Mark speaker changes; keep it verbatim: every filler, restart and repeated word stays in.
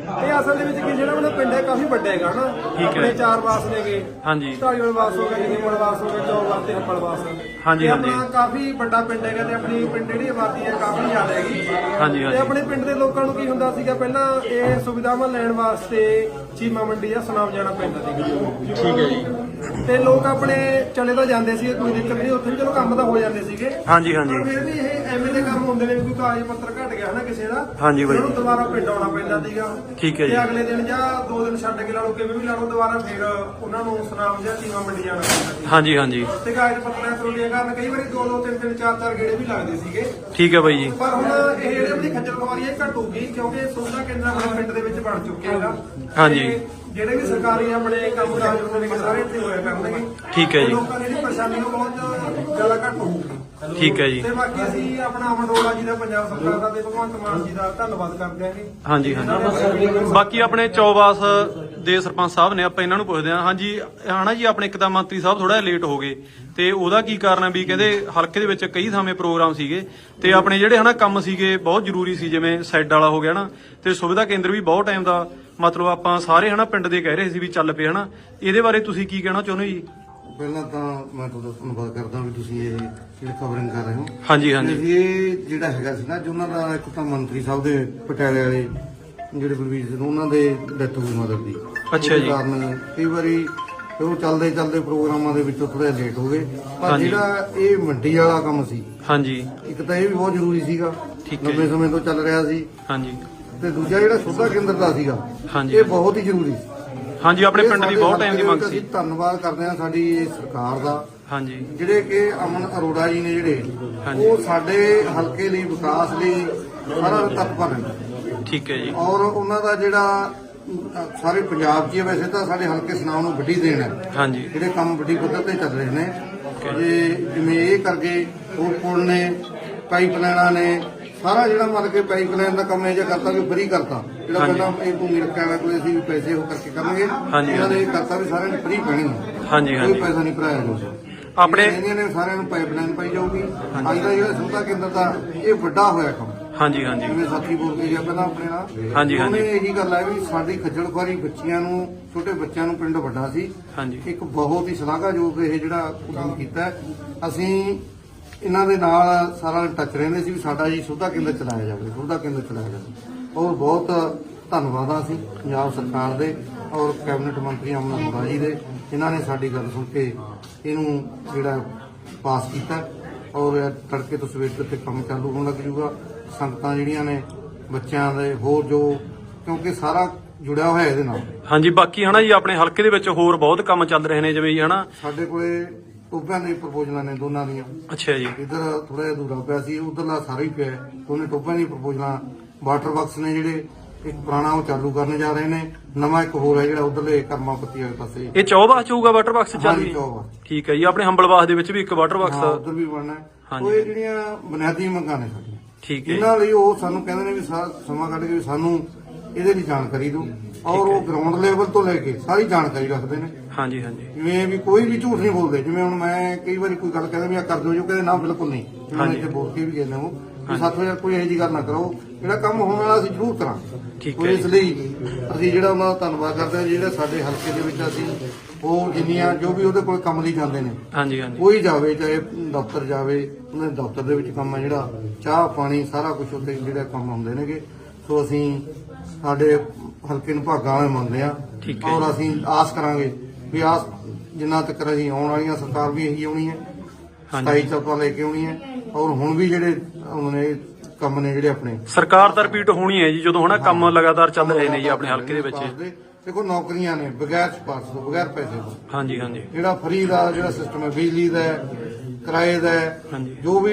Speaker 1: ਇਹ ਅਸਲ ਦੇ ਵਿੱਚ ਕੀ ਜਿਹੜਾ ਆਪਣਾ ਪਿੰਡ ਹੈ ਕਾਫੀ ਵੱਡਾ ਹੈਗਾ ਨਾ। ਆਪਣੇ ਚਾਰ ਵਾਸ ਨੇਗੇ।
Speaker 2: ਹਾਂਜੀ।
Speaker 1: ਢਾਲੀਵਾਲ ਵਾਸ ਹੋ ਗਿਆ, ਜਗੀਮਲ ਵਾਸ ਹੋ ਗਿਆ, ਚੌਵਾਲ ਤੇ ਹੱਪੜ ਵਾਸ।
Speaker 2: ਹਾਂਜੀ ਹਾਂਜੀ।
Speaker 1: ਆਪਣਾ ਕਾਫੀ ਵੱਡਾ ਪਿੰਡ ਹੈਗਾ ਤੇ ਆਪਣੀ ਪਿੰਡ ਜਿਹੜੀ ਆਬਾਦੀ ਹੈ ਕਾਫੀ ਜ਼ਿਆਦਾ ਹੈਗੀ।
Speaker 2: ਹਾਂਜੀ
Speaker 1: ਤੇ
Speaker 2: ਹਾਂਜੀ।
Speaker 1: ਆਪਣੇ ਪਿੰਡ ਦੇ ਲੋਕਾਂ ਨੂੰ ਕੀ ਹੁੰਦਾ ਸੀਗਾ ਪਹਿਲਾਂ ਇਹ ਸੁਵਿਧਾਵਾਂ ਲੈਣ ਵਾਸਤੇ ਚੀਮਾ ਮੰਡੀ ਜਾਂ ਸੁਨਾਮ ਜਾਣਾ ਪੈਂਦਾ ਸੀਗਾ।
Speaker 2: ਠੀਕ ਹੈ ਜੀ।
Speaker 1: ਤੇ ਲੋਕ ਆਪਣੇ ਚਲੇ ਤਾਂ ਜਾਂਦੇ ਸੀ, ਕੋਈ ਦਿੱਕਤ ਨਹੀਂ, ਉੱਥੇ ਵੀ ਚਲੋ ਕੰਮ ਤਾਂ ਹੋ ਜਾਂਦੇ ਸੀਗੇ।
Speaker 2: ਹਾਂਜੀ ਹਾਂਜੀ।
Speaker 1: ਪਰ ਫਿਰ ਵੀ ਇਹ ਐਵੇਂ ਦੇ ਕੰਮ ਹੁੰਦੇ ਨੇ ਵੀ ਕੋਈ ਕਾਗਜ਼ ਪੱਤਰ ਘਟ ਗਿਆ ਹਨਾ ਕਿਸੇ ਦਾ।
Speaker 2: ਹਾਂਜੀ ਬਾਈ।
Speaker 1: ਉਹਨੂੰ ਦੁਬਾਰਾ ਪਿੰਡ ਆਉਣਾ ਪੈਂਦਾ ਸੀਗਾ।
Speaker 2: ਠੀਕ ਹੈ ਜੀ।
Speaker 1: ਤੇ ਅਗਲੇ ਦਿਨ ਜਾਂ ਦੋ ਦਿਨ ਛੱਡ ਕੇ ਲਾ ਲਓ, ਕਿਵੇਂ ਵੀ ਲਾ ਲਓ, ਦੁਬਾਰਾ ਫਿਰ ਉਹਨਾਂ ਨੂੰ ਸੁਨਾਮ ਜਾਂ ਚੀਮਾ ਮੰਡੀ ਜਾਣਾ ਪੈਂਦਾ ਸੀ।
Speaker 2: ਹਾਂਜੀ ਹਾਂਜੀ।
Speaker 1: ਤੇ ਕਾਗਜ਼ ਪੱਤਰਾਂ ਤਰੋਲੀਆਂ ਕਰਨ ਕਈ ਵਾਰੀ ਦੋ ਦੋ ਤਿੰਨ ਤਿੰਨ ਚਾਰ ਚਾਰ ਗੇੜੇ ਵੀ ਲੱਗਦੇ ਸੀਗੇ।
Speaker 2: ਠੀਕ ਹੈ ਬਾਈ ਜੀ।
Speaker 1: ਪਰ ਹੁਣ ਇਹ ਜਿਹੜੇ ਆਪਣੀ ਖੱਜਲ ਖੁਆਰੀ ਹੈ ਘਟੂਗੀ, ਕਿਉਂਕਿ ਸੁਵਿਧਾ ਕੇਂਦਰ ਆਪਣੇ ਪਿੰਡ ਦੇ ਵਿੱਚ ਬਣ ਚੁੱਕੇ ਹੈਗਾ।
Speaker 2: ਹਾਂਜੀ।
Speaker 1: ਤੇ ਜਿਹੜੇ ਵੀ ਸਰਕਾਰੀ ਆਪਣੇ ਕੰਮ ਕਾਜ ਹੁੰਦੇ ਨੇ ਸਾਰੇ ਇੱਥੇ ਹੋਇਆ ਕਰਨਗੇ।
Speaker 2: ਠੀਕ ਹੈ ਜੀ।
Speaker 1: ਲੋਕਾਂ ਦੀ ਪਰੇਸ਼ਾਨੀ ਨੂੰ ਬਹੁਤ ਜ਼ਿਆਦਾ ਘੱਟ ਹੋਊਗੀ।
Speaker 2: ਠੀਕ ਹੈ ਜੀ।
Speaker 1: ਤੇ ਬਾਕੀ ਅਸੀਂ ਆਪਣਾ ਅਮਨ ਅਰੋੜਾ ਜੀ ਦਾ, ਪੰਜਾਬ ਸਰਕਾਰ ਦਾ ਤੇ ਭਗਵੰਤ ਮਾਨ ਜੀ ਦਾ ਧੰਨਵਾਦ ਕਰਦੇ ਹਾਂਗੇ।
Speaker 2: ਹਾਂਜੀ ਹਾਂਜੀ। ਬਾਕੀ ਆਪਣੇ ਚੌਵਾਸ ਦੇ ਸਰਪੰਚ ਸਾਹਿਬ ਨੇ, ਆਪਾਂ ਇਹਨਾਂ ਨੂੰ ਪੁੱਛਦੇ ਹਾਂ। ਹਾਂਜੀ ਹਨਾ ਜੀ, ਆਪਣੇ ਇੱਕ ਤਾਂ ਮੰਤਰੀ ਸਾਹਿਬ ਥੋੜਾ ਜਿਹਾ ਲੇਟ ਹੋ ਗਏ ਤੇ ਉਹਦਾ ਕੀ ਕਾਰਨ ਹੈ? ਵੀ ਕਹਿੰਦੇ ਹਲਕੇ ਦੇ ਵਿੱਚ ਕਈ ਥਾਵੇਂ ਪ੍ਰੋਗਰਾਮ ਸੀਗੇ ਤੇ ਆਪਣੇ ਜਿਹੜੇ ਹਨਾ ਕੰਮ ਸੀਗੇ ਬਹੁਤ ਜ਼ਰੂਰੀ ਸੀ, ਜਿਵੇਂ ਸੈੱਡ ਵਾਲਾ ਹੋ ਗਿਆ ਨਾ, ਤੇ ਸੁਵਿਧਾ ਕੇਂਦਰ ਵੀ ਬਹੁਤ ਟਾਈਮ ਦਾ ਮਤਲਬ ਆਪਾਂ ਸਾਰੇ ਹਨਾ ਪਿੰਡ ਦੇ ਕਹਿ ਰਹੇ ਸੀ ਵੀ ਚੱਲ ਪਏ ਹਨਾ। ਇਹਦੇ ਬਾਰੇ ਤੁਸੀਂ ਕੀ ਕਹਿਣਾ ਚਾਹੁੰਦੇ ਜੀ?
Speaker 3: ਪਹਿਲਾਂ ਤਾਂ ਮੈਂ ਤੁਹਾਡਾ ਧੰਨਵਾਦ ਕਰਦਾ ਵੀ ਤੁਸੀਂ ਇਹ ਜਿਹੜੀ ਕਵਰਿੰਗ ਕਰ ਰਹੇ ਹੋ।
Speaker 2: ਹਾਂਜੀ ਹਾਂਜੀ।
Speaker 3: ਇਹ ਜਿਹੜਾ ਹੈਗਾ ਸੀ ਨਾ, ਜੋ ਉਹਨਾਂ ਦਾ ਇੱਕ ਤਾਂ ਮੰਤਰੀ ਸਾਹਿਬ ਦੇ ਪਟਿਆਲੇ ਵਾਲੇ ਜਿਹੜੇ ਬਲਵੀਰ ਸਿੰਘ, ਉਹਨਾਂ ਦੇ ਡੈਥ ਹੋਈ ਮਦਰ ਦੀ।
Speaker 2: ਅੱਛਾ ਜੀ।
Speaker 3: ਕਾਰਨ ਕਈ ਵਾਰੀ ਉਹ ਚੱਲਦੇ ਚੱਲਦੇ ਪ੍ਰੋਗਰਾਮਾਂ ਦੇ ਵਿੱਚੋਂ ਥੋੜਾ ਲੇਟ ਹੋ ਗਏ। ਪਰ
Speaker 2: ਹਾਂਜੀ।
Speaker 3: ਜਿਹੜਾ ਇਹ ਮੰਡੀ ਵਾਲਾ ਕੰਮ ਸੀ,
Speaker 2: ਹਾਂਜੀ।
Speaker 3: ਇੱਕ ਤਾਂ ਇਹ ਵੀ ਬਹੁਤ ਜ਼ਰੂਰੀ ਸੀਗਾ,
Speaker 2: ਠੀਕ ਹੈ
Speaker 3: ਲੰਬੇ
Speaker 2: ਜੀ।
Speaker 3: ਸਮੇਂ ਤੋਂ ਚੱਲ ਰਿਹਾ ਸੀ।
Speaker 2: ਹਾਂਜੀ
Speaker 3: ਤੇ ਦੂਜਾ ਜਿਹੜਾ ਸੁਵਿਧਾ ਕੇਂਦਰ ਦਾ ਸੀਗਾ,
Speaker 2: ਹਾਂਜੀ।
Speaker 3: ਇਹ ਬਹੁਤ ਹੀ ਜ਼ਰੂਰੀ ਸੀ।
Speaker 2: ਹਾਂਜੀ, ਆਪਣੇ
Speaker 3: ਇਹ
Speaker 2: ਪਿੰਡ ਦੀ
Speaker 3: ਸਾਡੇ
Speaker 2: ਬਹੁਤ ਟਾਈਮ ਦੀ ਮੰਗ
Speaker 3: ਅਸੀਂ
Speaker 2: ਸੀ।
Speaker 3: ਧੰਨਵਾਦ ਕਰਦੇ ਹਾਂ ਸਾਡੀ ਇਹ ਸਰਕਾਰ ਦਾ,
Speaker 2: ਹਾਂਜੀ
Speaker 3: ਜਿਹੜੇ ਕਿ ਅਮਨ ਅਰੋੜਾ ਜੀ ਨੇ, ਜਿਹੜੇ
Speaker 2: ਹਾਂਜੀ।
Speaker 3: ਉਹ ਸਾਡੇ ਹਲਕੇ ਲਈ ਵਿਕਾਸ ਲਈ ਸਾਰਾ ਤਤਪਰ ਨੇ।
Speaker 2: ਠੀਕ ਹੈ ਜੀ।
Speaker 3: ਔਰ ਉਹਨਾਂ ਦਾ ਜਿਹੜਾ ਅ, ਸਾਰੇ ਪੰਜਾਬ 'ਚ ਹੀ ਹੈ, ਵੈਸੇ ਤਾਂ ਸਾਡੇ ਹਲਕੇ ਸੁਨਾਮ ਨੂੰ ਵੱਡੀ ਦੇਣ ਹੈ।
Speaker 2: ਹਾਂਜੀ।
Speaker 3: ਜਿਹੜੇ ਕੰਮ ਵੱਡੀ ਪੱਧਰ ਤੇ ਚੱਲ ਰਹੇ ਨੇ, ਤੇ ਜਿਵੇਂ ਇਹ ਕਰਕੇ ਉਹ ਪੁਲ ਨੇ, ਪਾਈਪ ਲਾਈਨਾਂ ਨੇ, ਸਾਰਾ ਜਿਹੜਾ ਮਤਲਬ ਕਿ ਪਾਈਪ ਲਾਈਨ ਦਾ ਕੰਮ ਇਹ ਜਿਹਾ ਕਰਤਾ ਵੀ ਫਰੀ ਕਰਤਾ। ਜਿਹੜਾ
Speaker 2: ਹਾਂਜੀ।
Speaker 3: ਪਹਿਲਾਂ ਇਹ ਭੂਮੀ ਰੱਖਿਆ ਵਾਲਾ ਕੋਲੇ ਅਸੀਂ ਵੀ ਪੈਸੇ ਉਹ ਕਰਕੇ ਕਰਾਂਗੇ,
Speaker 2: ਹਾਂਜੀ।
Speaker 3: ਇਹਨਾਂ ਨੇ ਇਹ ਕਰਤਾ ਵੀ ਸਾਰਿਆਂ ਨੂੰ ਫਰੀ ਪੈਣਗੇ।
Speaker 2: ਹਾਂਜੀ
Speaker 3: ਕੋਈ
Speaker 2: ਹਾਂਜੀ।
Speaker 3: ਪੈਸਾ ਨਹੀਂ ਭਰਾਇਆ ਜਾਊਗਾ।
Speaker 2: ਆਪਣੇ
Speaker 3: ਇਹਨਾਂ ਨੇ ਸਾਰਿਆਂ ਨੂੰ ਪਾਈਪਲਾਈਨ ਪਾਈ ਜਾਊਗੀ। ਅੱਜ ਦਾ ਜਿਹੜਾ ਸੁਵਿਧਾ ਕੇਂਦਰ ਦਾ ਇਹ ਵੱਡਾ ਹੋਇਆ ਕੰਮ।
Speaker 2: ਹਾਂਜੀ ਹਾਂਜੀ।
Speaker 3: ਜਿਵੇਂ ਸਾਥੀ ਬੋਲ ਕੇ ਗਿਆ ਪਹਿਲਾਂ ਆਪਣੇ ਨਾਲ,
Speaker 2: ਹਾਂਜੀ, ਹਾਂਜੀ।
Speaker 3: ਉਹਨੇ ਇਹੀ ਗੱਲ ਹੈ ਵੀ ਸਾਡੀ ਖੱਜਲ ਖੁਆਰੀ ਬੱਚਿਆਂ ਨੂੰ, ਛੋਟੇ ਬੱਚਿਆਂ ਨੂੰ ਪਿੰਡ ਵੱਡਾ ਸੀ।
Speaker 2: ਹਾਂਜੀ।
Speaker 3: ਇੱਕ ਬਹੁਤ ਹੀ ਸ਼ਲਾਘਾਯੋਗ ਇਹ ਜਿਹੜਾ ਉਦਮ ਕੀਤਾ ਹੈ। ਅਸੀਂ ਇਹਨਾਂ ਦੇ ਨਾਲ ਸਾਰਾ ਟੱਚ ਰਹਿੰਦੇ ਸੀ ਵੀ ਸਾਡਾ ਜੀ ਸੁਵਿਧਾ ਕੇਂਦਰ ਚਲਾਇਆ ਜਾਵੇ, ਸੁਵਿਧਾ ਕੇਂਦਰ ਚਲਾਇਆ ਜਾਵੇ। ਔਰ ਬਹੁਤ ਧੰਨਵਾਦ ਆ ਅਸੀਂ ਪੰਜਾਬ ਸਰਕਾਰ ਦੇ ਔਰ ਕੈਬਨਿਟ ਮੰਤਰੀ ਅਮਨ ਅਰੋੜਾ ਜੀ ਦੇ, ਜਿਨ੍ਹਾਂ ਨੇ ਸਾਡੀ ਗੱਲ ਸੁਣ ਕੇ ਇਹਨੂੰ ਜਿਹੜਾ ਪਾਸ ਕੀਤਾ। ਔਰ ਤੜਕੇ ਤੋਂ ਸਵੇਰ ਤੱਕ ਕੰਮ ਚਾਲੂ ਹੋਣ ਲੱਗ ਜੂਗਾ। ਸੰਗਤਾਂ ਜਿਹੜੀਆਂ ਨੇ, ਬੱਚਿਆਂ ਦੇ ਹੋਰ ਜੋ, ਕਿਉਂਕਿ ਸਾਰਾ ਜੁੜਿਆ ਹੋਇਆ ਇਹਦੇ ਨਾਲ।
Speaker 2: ਹਾਂਜੀ। ਬਾਕੀ ਹਨਾ ਜੀ, ਆਪਣੇ ਹਲਕੇ ਦੇ ਵਿੱਚ ਹੋਰ ਬਹੁਤ ਕੰਮ ਚੱਲ ਰਹੇ ਨੇ, ਜਿਵੇਂ ਜੀ ਹਨਾ
Speaker 3: ਸਾਡੇ ਕੋਲੇ ਟੋਭਿਆਂ ਦੀ ਪ੍ਰਪੋਜ਼ਲਾਂ ਨੇ ਦੋਨਾਂ ਦੀਆਂ।
Speaker 2: ਅੱਛਾ ਜੀ।
Speaker 3: ਇੱਧਰ ਥੋੜਾ ਜਿਹਾ ਅਧੂਰਾ ਪਿਆ ਸੀ, ਉਧਰਲਾ ਸਾਰਾ ਹੀ ਪਿਆ। ਦੋਨੇ ਟੋਭਿਆਂ ਦੀ ਪ੍ਰਪੋਜ਼ਲਾਂ, ਵਾਟਰ ਬਾਕਸ ਨੇ ਜਿਹੜੇ ਇੱਕ ਪੁਰਾਣਾ ਉਹ ਚਾਲੂ ਕਰਨ ਜਾ ਰਹੇ ਨੇ, ਨਵਾਂ ਇੱਕ ਹੋਰ ਹੈ ਜਿਹੜਾ ਉਧਰਲੇ ਕਰਮਾਪਤੀ ਵਾਲੇ ਪਾਸੇ।
Speaker 2: ਇਹ ਚੌਬਾਸ ਚ ਹੋਊਗਾ ਵਾਟਰ ਬਾਕਸ ਚੱਲ
Speaker 3: ਹਾਂਜੀ,
Speaker 2: ਰਹੀ?
Speaker 3: ਚੌਬਾਸ।
Speaker 2: ਠੀਕ ਹੈ ਜੀ। ਆਪਣੇ ਹੰਬਲਵਾਸ ਦੇ ਵਿੱਚ ਵੀ ਇੱਕ ਵਾਟਰ
Speaker 3: ਹਾਂ,
Speaker 2: ਬਾਕਸ।
Speaker 3: ਉਧਰ ਵੀ ਬਣਨਾ ਹੈ।
Speaker 2: ਹਾਂਜੀ।
Speaker 3: ਉਹ ਇਹ ਜਿਹੜੀਆਂ ਬੁਨਿਆਦੀ ਮੰਗਾਂ ਨੇ ਸਾਡੀਆਂ,
Speaker 2: ਠੀਕ ਹੈ ਜੀ।
Speaker 3: ਇਹਨਾਂ ਲਈ ਉਹ ਸਾਨੂੰ ਕਹਿੰਦੇ ਨੇ ਵੀ ਸਾ- ਸਮਾਂ ਕੱਢ ਕੇ ਵੀ ਸਾਨੂੰ ਇਹਦੇ ਲਈ ਜਾਣਕਾਰੀ ਦਿਓ। ਔਰ ਉਹ ਗਰਾਊਂਡ ਲੈਵਲ ਤੋਂ ਲੈ ਕੇ ਸਾਰੀ ਜਾਣਕਾਰੀ ਰੱਖਦੇ ਨੇ।
Speaker 2: ਹਾਂਜੀ ਹਾਂਜੀ।
Speaker 3: ਜਿਵੇਂ ਵੀ ਕੋਈ ਵੀ ਝੂਠ ਨਹੀਂ ਬੋਲਦੇ। ਜਿਵੇਂ ਹੁਣ ਮੈਂ ਕਈ ਵਾਰੀ ਕੋਈ ਗੱਲ ਕਹਿੰਦਾ ਵੀ ਆ ਕਰ ਦਿਓ, ਜੋ ਕਹਿੰਦੇ ਨਾ ਬਿਲਕੁਲ ਨਹੀਂ। ਜਿਵੇਂ
Speaker 2: ਹਾਂਜੀ।
Speaker 3: ਇੱਥੇ ਬੋਲ ਕੇ ਵੀ ਕਹਿੰਦੇ ਉਹ ਵੀ ਸਾਥੋਂ ਯਾਰ ਕੋਈ ਇਹੋ ਜਿਹੀ ਗੱਲ ਨਾ ਕਰੋ, ਜਿਹੜਾ ਕੰਮ ਹੋਣ ਵਾਲਾ ਅਸੀਂ ਜ਼ਰੂਰ ਕਰਾਂਗੇ।
Speaker 2: ਠੀਕ
Speaker 3: ਉਹ
Speaker 2: ਹੈ
Speaker 3: ਇਸ ਲਈ ਅਸੀਂ ਜਿਹੜਾ ਉਹਨਾਂ ਦਾ ਧੰਨਵਾਦ ਕਰਦੇ ਹਾਂ, ਜਿਹੜਾ ਸਾਡੇ ਹਲਕੇ ਦੇ ਵਿੱਚ ਅਸੀਂ ਉਹ ਜਿੰਨੀਆਂ ਜੋ ਵੀ ਉਹਦੇ ਕੋਲ ਕੰਮ ਲਈ ਜਾਂਦੇ ਨੇ,
Speaker 2: ਹਾਂਜੀ ਹਾਂਜੀ।
Speaker 3: ਕੋਈ ਜਾਵੇ, ਚਾਹੇ ਦਫ਼ਤਰ ਜਾਵੇ, ਉਹਨਾਂ ਦੇ ਦਫ਼ਤਰ ਦੇ ਵਿੱਚ ਕੰਮ ਹੈ ਜਿਹੜਾ ਚਾਹ ਪਾਣੀ ਸਾਰਾ ਕੁਝ ਉੱਥੇ ਜਿਹੜੇ ਕੰਮ ਹੁੰਦੇ ਨੇਗੇ। ਸੋ ਅਸੀਂ ਸਾਡੇ ਹਲਕੇ ਨੂੰ ਭਾਗਾਂ ਵਾਲੇ ਮੰਨਦੇ ਆ।
Speaker 2: ਠੀਕ ਹੈ।
Speaker 3: ਔਰ ਅਸੀਂ ਆਸ ਕਰਾਂਗੇ ਵੀ ਆਸ ਜਿੰਨਾ ਤੱਕ ਅਸੀਂ ਆਉਣ ਵਾਲੀਆਂ ਸਰਕਾਰ ਵੀ ਇਹੀ ਆਉਣੀ ਹੈ, ਸਤਾਈ ਚੌਪਾ ਲੈ ਕੇ ਆਉਣੀ ਹੈ। ਔਰ ਹੁਣ ਵੀ ਜਿਹੜੇ ਉਹਨਾਂ ਨੇ ਕੰਮ ਨੇ ਜਿਹੜੇ ਆਪਣੇ
Speaker 2: ਸਰਕਾਰ ਤਾਂ ਰਿਪੀਟ ਹੋਣੀ ਹੈ ਜੀ, ਜਦੋਂ ਹਨਾ ਕੰਮ ਲਗਾਤਾਰ ਚੱਲ ਰਹੇ ਨੇ ਜੀ ਆਪਣੇ ਹਲਕੇ ਦੇ ਵਿੱਚ।
Speaker 3: ਦੇਖੋ ਨੌਕਰੀਆਂ ਨੇ ਬਗੈਰ ਸਿਫਾਰਸ਼ ਤੋਂ, ਬਗੈਰ ਪੈਸੇ ਤੋਂ।
Speaker 2: ਹਾਂਜੀ ਹਾਂਜੀ।
Speaker 3: ਜਿਹੜਾ ਫਰੀ ਦਾ ਜਿਹੜਾ ਸਿਸਟਮ ਹੈ, ਬਿਜਲੀ ਦਾ, ਕਿਰਾਏ ਦਾ,
Speaker 2: ਹਾਂਜੀ।
Speaker 3: ਜੋ ਵੀ